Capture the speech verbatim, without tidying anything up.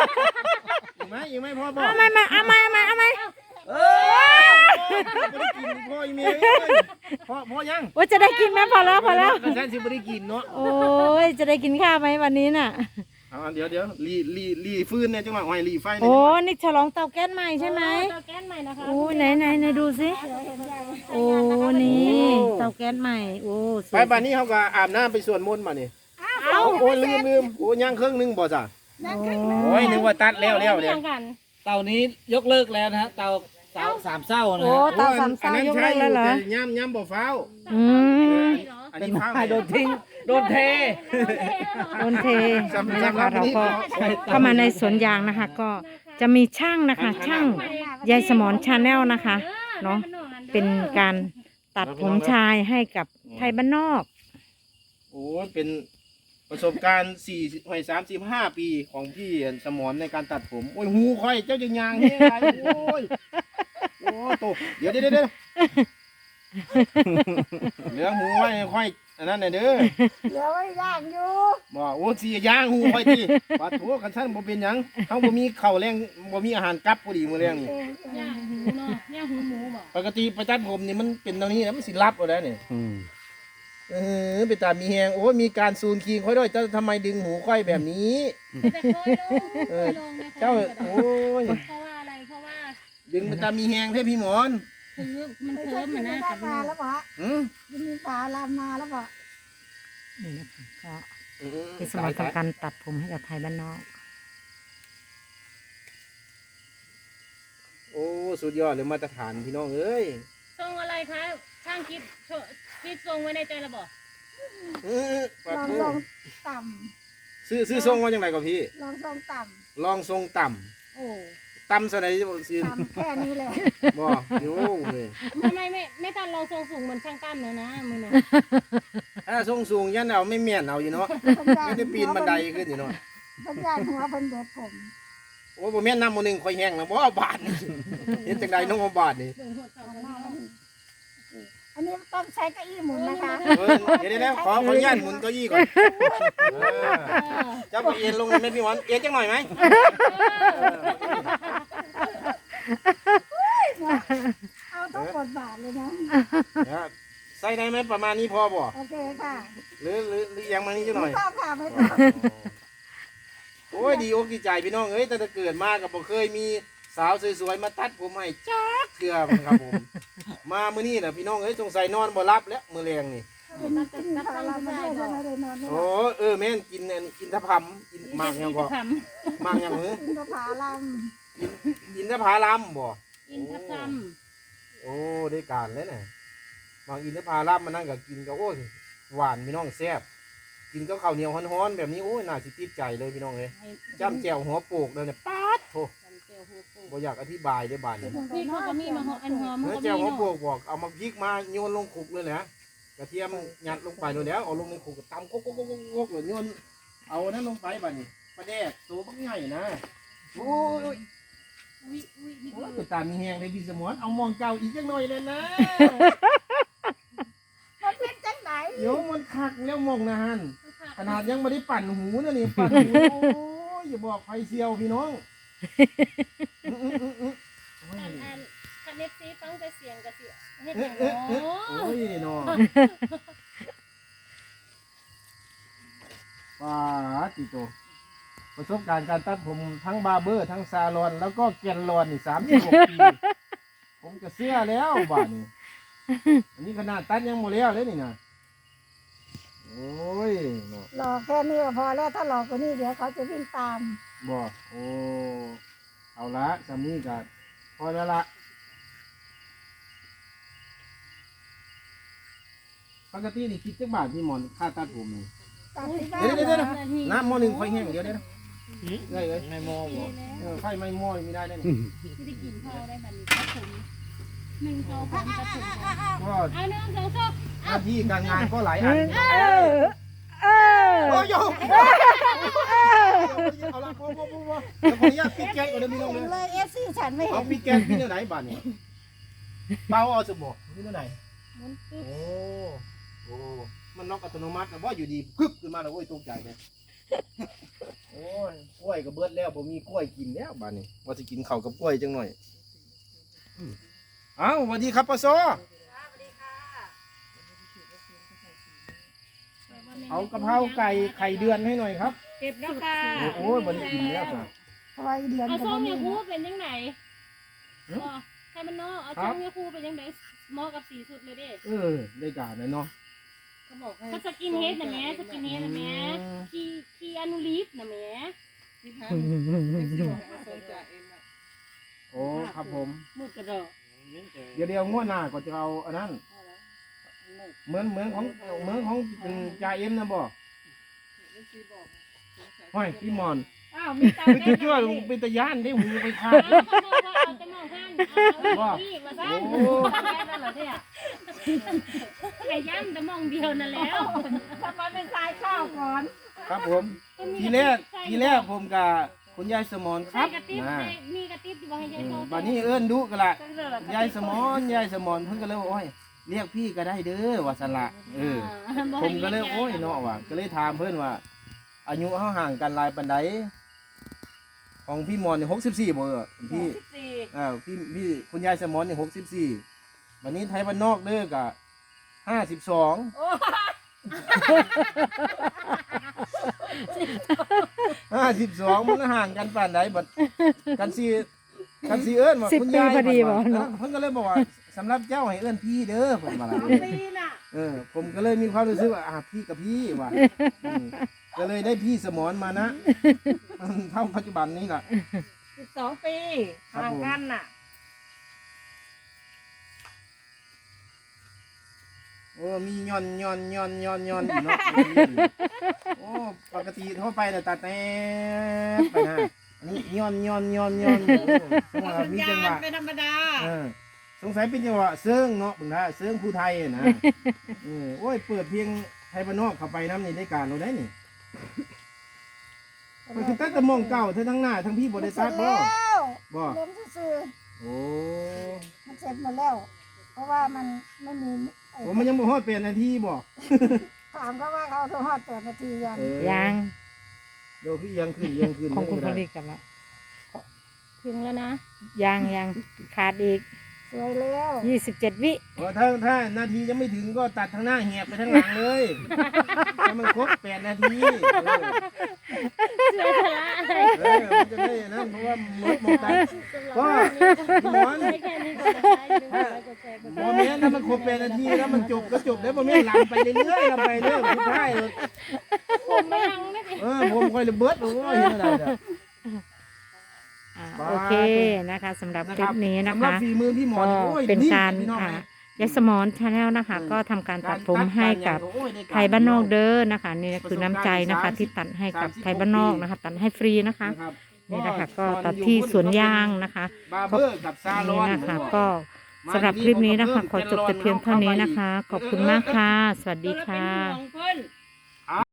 อีกไหมอีกไหมพ่อบอกเอาไม่ไม่เอาไม่ไม่เอาไม่เออไม่ได้กินพ่ออีเมย์พ่อพ่อยังว่าจะได้กินไหมพอแล้วพอแล้วกันแซนสิไม่ได้กินเนาะโอ้ยจะได้กินข้าวไหมวันนี้น่ะเอาเดี๋ยวเดี๋ยวรีรีรีฟื้นเนี่ยจังหวะไอ้รีไฟโอ้นี่ฉลองเตาแก๊สใหม่ใช่ไหมเตาแก๊สใหม่นะคะโอ้ไหนไหนไหนดูสิโอ้นี่เตาแก๊สใหม่โอ้สไปวยบ้านนี้เขาก็อาบน้ำไปสวดมนต์มาเนี่ยเอาโอ้ลืมลืมโอ้ย่างเครื่องนึงบ่จ้ะโอ้โอ้ยนึกว่าตัดแล้วแล้วเนี่ยกันเตานี้ยกเลิกแล้วนะฮะเตาเตาสามเศร้านะโอ้ฮะเตาสามเศร้ายกเลิกแล้วเหรอย่ำย่ำบ่ฟ้าวอืมอันเป็นนี้ฟ้าวไฟโดนทิ้งโดนเทโดนเทนะคะเราก็เข้ามาในสวนยางนะคะ ก็จะมีช่างนะคะ ช่างยายสมรชาแนลนะคะเนาะเป็นการตัดผมชายให้กับไทยบ้านนอกโอ้เป็นประสบการณ์สี่หอยสามสิบห้าปีของพี่สมรในการตัดผมโอ้ยหูค่อยเจ้าจะยางเฮ้ยอะไรโอ้ยโอ้โตเดี๋ยวเดี๋ยวเดี๋ยวเหลือหูไว้ค่อยอันนั้นน่ะเด้อเหลือไว้ย่างอยู่บอกโอ้สีย่างหูค่อยทีปาดหัวกันสั้นบ่เป็นหยังเขาบ่มีเข่าวแรงบ่มีอาหารกับพอดีมื้อแรงนี่ย่างหูเนาะย่างหูหมูบอกปกติไปตัดผมนี่มันเป็นตรงนี้นะมันสิรับเอาแล้วนี่เออไปตามมีแหงโอ้ยมีการซูนคีงค่อยด้วยเจ้าทำไมดึงหูค่อยแบบนี้แต่เคยลงเคยลงนะเจ้าโอ้ยเพราะว่าอะไรเพราะว่าดึงไปตามมีแหงเท่พี่หมอนคือมันไม่เคใช่ลิ้มกิมันนนะได้กับมาแล้วปะอืมยังมีปลาลามมาแล้วปะนี่นะคะก็พี่สมรทำการตัดผมให้กับไทยบ้านนอกโอ้สุดยอดเลยมาตรฐานพี่น้องเอ้ยทรงอะไรคะช่างคิดคิดทรงไว้ในใจระบอกเออปาลองทูลองต่ซื้อซื้อทรงว่าจังไรกับพี่ำลองทรงต่ลองทรงต่โอ้ำต่ำสไนสิำต่ำแค่นี้เลยบ่โย่เลยทำไมไม่ไม่ทันลองทรงสูงเหมือนช่างตั้มเลยนะมือเนี่ยถ้าทรงสูงยันเอาไม่เมียนเอาอยู่เนาะไม่ได้ปีนบันไดขึ้นอยู่เนาะพันยานหัวเพันเด็ดผมโอ้บ่แม่นน้ำมันหนึ่งคอยแห้งนะบ่บาทนี่เห็นจังใดน้องบาทนี่เดินหัวเข่ากันอันนี้ต้องใช้เก้าอี้หมุนนะคะเออเดี๋ยวเดี๋ยวขอขออนุญาตหมุนเก้าอี้ก่อนเออเจ้าไปเอ็นลงไหมพี่หมอนเอ็นจังหน่อยไหมเอาต้องกดบาทเลยนะเดี๋ยวใส่ได้ไหมประมาณนี้พอบ่โอเคค่ะหรือหรือหรือยังมานี้จังหน่อยไม่ต้องค่ะไม่ต้องโอ้ยดีอกดีใจพี่น้องเอ้ยแต่ถ้าเกิดมากับบ่เคยมีสาวสวยๆมาตัดผมให้จักเทื่อมันครับผม มามื้อนี้น่ะพี่น้องเอ้ยสงสัยนอนบ่หลับแล้วมื้อแรงนี่กินกินพารามาด้วยทำไมได้นอนไม่หโอ้ลับเออแม่นกินอันกินทะพำกินหมากหยังก็ทหมากหยังหือกินพารากินกินทะพาลัมบ่ำอินทผลัมโอ้ได้การแล้วน่ะหมากอินทผลัมมันนั่นก็กินก็โอ้ยหวานพี่น้องแซ่บกินก็ข้าวเหนียวฮ้อนๆแบบนี้โอ้ยน่าสิติดใจเลยพี่น้องเอ้ยจ้ำแจ่วหัวโปกเลยเนี่ยป๊าดโธ่บ่อยากอธิบายได้บาดนี้พี่เขาก็มีมาหออันหอมเนื้อเขาแจ่วหัวมีโปกบอกเอามาพริกมาโยนลงคุกเลยนะกระเทียมยัดลงไปเลยแล้วเอาลงในคุกก็ตำโก๊กโก๊กโก๊กโก๊กเลยโยนเอานั้นลงไปบัดนี้ปลาแดกตัวบักใหญ่นะโอ้ยอุ้ยอุ้ยนี่โอ้ยไปตามมีแหงเลยพี่สมรเอามองเจ้าอีกจังหน่อยเลยนะมันเป็นจังไหนโยมมันคักแล้วมองนะฮันขนาดยังไม่ได้ปั่นหูนะนี่ปั่นหูโอ้ยอย่าบอกไฟเซียวพี่น้องอื้ออื้ออื้ออื้อโอ้ยอันอันคันเนฟซีฟังแต่เสียงกระเสียเฮ็ดเอ๊ะโอ้เอ๊ะเอ๊ะโอ้ยน้องว้าติโตประสบการณ์การตัดผมทั้งบาร์เบอร์ทั้งซาลอนแล้วก็แกนลอนนี่สามสิบหกปีผมก็เสื้อแล้วบ้านนี้อันนี้ขนาดตัดยังหมดแล้วเลยนี่นะโอ้ยเนาะหลอกแค่นี้ก็พอแล้วถ้าหลอกกว่านี้เดี๋ยวเขาจะวิ่งตามบอกโอ้เอาละจำนี้กันพอแล้วละปกตินี่คิดจักบาทพี่หมอนค่าตัดผมนี่ตามที่บ้านเดี๋ยวเดี๋ยวเดี๋ยวนะน้ำหม้อหนึ่งไฟแห้งเดี๋ยวเดี๋ยวเดี๋ยวเดี๋ยวไม่มองบอกเออไฟไม่หม้อไม่ได้ได้นี่ที่ได้กินข้าวได้บัดนี้ตัดผมหนึ่งสองสามตัดผมก่อนก็เอาหนึ่งสองสามหน้าที่การงานก็หลายอันเออเออโอ้ยโยเอาละพอพอพอพอเดี๋ยวขออนุญาตปิดแก๊สก่อนเดี๋ยวมีน้องเห็เลนยเลยเอฟซีฉันไม่เอาเห็นปิดแก๊สพี่เนื้อไหนบ้านเนี่ยเบาเอาสมบูพี่เนื้อไหนมันตึ๊โอ้ โอ้ มันน็อกอัตโนมัติแต่ว่าอยู่ดีพึบขึ้นมาแล้วโอ้ยตกใจเลยโอ้ยกล้วยก็เบิดแล้วผมมีกล้วยกินแล้วบ้านนี้ว่าจะกินข้าวกับกล้วยจังหน่อยอืมเอ้าสวัสดีครับปะโซเอากะเพราไก่ไข่เดือนให้หน่อยครับเก็บแล้วค่ะโอ้ยบันกินแล้วจ้ะเพราะว่าเดือนเอาก็ส้บ่มมียาคูนะเป็นยังไงเอ้าอ๋อใครมันเนาะเอาครัส้บมยาคูเป็นยังไงเหมาะกับสีสุดเลยเด้เออได้การนะเนาะถ้าสกินเฮดนะแม่สกินเฮดนะแม่คีคีอนุลีฟนะแม่โอ้ครับผมมืดกระดอกเดี๋ยวเดี๋ยวงวดหน้าก็จะเอาอันนั้นเหมือนเหมือนของเหมือนของเป็นจ่าเอ็มนะบ่ห้อยพี่หมอนอ้าวมีตาคือแดชั่วงๆลงเป็นตะย่านได้หูไปขาดเอาเอาแต่มองข้างเอาอีกมาซะโอ้แค่นั้นเหรอเนี่ยไก่ย่ำแต่มองเดียวนั่นแล้วทำไมเป็นสายข้าวก่อนครับผม ทีแรกทีแรกผมกับคุณยายสมอนคใส่รับกระติบนะมีกระติบที่ว่าให้ยายอืโตมบัดนี้เอิ้นดุกันละยายสมอนยายสมอนเพิ่นก็เลยว่าโอ้ยเรียกพี่ก็ได้เด้อว่าสละเออ ผมก็เลยโอ้ยเนาะว่ะก็เลยถามเพื่อนว่า อายุเขาห่างกันหลายปันไดของพี่มอนเนี่ยหกสิบสี่บ่เออพี่อ่าพี่พี่คุณยายสมอนเนี่ยหกสิบสี่วันนี้ไทยบ้านนอกเด้อกะห้าสิบสองห้าสิบสองมันห่างกันปานใดบัดกันซีกันซีเอิ้นว่าสิบคุณปียายพอดีบ่เพิ่นเนาะเพิ่นก็เลยบอกว่าสำหรับเจ้าให้เอิ้นพี่เด้อเพิ่นว่าล่ะปีน่ะเออผมก็เลยมีความรู้สึกว่าอ่ะพี่กับพี่ว่ะอืมก็เลยได้พี่สมอนมานะเท่าปัจจุบันนี้แหละสิบสองปีครับผมห่างกันน่ะโอ้มีย้อนย้อนย้อนย้อนย้อนอยู่เนาะโอ้ปกติทั่วไปเนี่ยตัดแน่ไปนะอันนี้ย้อนย้อนย้อนย้อนโอ้สงสัยมีจังหวะเป็นธรรมดาเออสงสัยเป็นจังหวะเซิงเนาะเบึงนะเซิงผู้ไทยนะเออโอ้ยเปิดเพลงไทยบ้านนอกเข้าไปน้ำนี่ได้การเราได้นี่มันคือตัดแตะมองเก่าเธอทั้งหน้าทั้งพี่บริเสร็ษัทจบ่แล้วบ่เล่มซื่อโอ้ๆมันเสร็จหมดแล้ว เพราะว่ามันไม่มีไอ้ผมมันยังบ่ฮอดเป็นนาทีบ่ถามก็ว่าเขาโทรฮอดแปดนาทียังเออยังเดี๋ยวคือยังขึ้นยังขึ้นของคุณผได้ลิตกันละถึงแล้วนะยังยังขาดอีกสวยแล้วยี่สิบเจ็ดวิเออถ้าถ้านาทียังไม่ถึงก็ตัดทางหน้าแหบไปทางหลังเลยให้มันครบแปดนาทีเออเชื่อละอะไรเออมันจะได้นั่นเพราะว่าหมดหมดตัดก็พี่หมอนไม่แค่นี้ก็ได้ดูไลค์กดแชร์กดบ่แม่นถ้ามันครบแปดนาทีแล้วมันจบก็จบแล้วบ่แม่นหลังไปเรื่อยๆลำไปเรื่อยสุดท้ายเลยผมไม่ยังไม่ได้เออผมค่อยระเบิดโอ้ยเห็นอะไรเนี่ยอ่าบาทโอเคนะคะสำหรับคลิปนี้นะสำหรับคะฝีมือพี่หมอก็นโอ้ยเป็นการพี่น้องอ่านะยายสมอนชาแนลนะคะ ก็ทำการตัดผมให้กับโอ้ยด้กรไทยบ้านนอกเด้อนะคะนี่คือน้ำใจนะคะ ที่ตัดให้กับไทยบ้านนอกนะคะ ตัดให้ฟรีนะคะนะครับนี่นะคะก็ตัดที่สวนยางนะคะบาร์เบอร์กับซาลนี่อนนะคะก็สำหรับคลิปนี้นะคะ ขอจบแต่เพียงเท่านี้นะคะ ขอบคุณมากค่ะ สวัสดีค่ะเป็นห่วงเพิ่น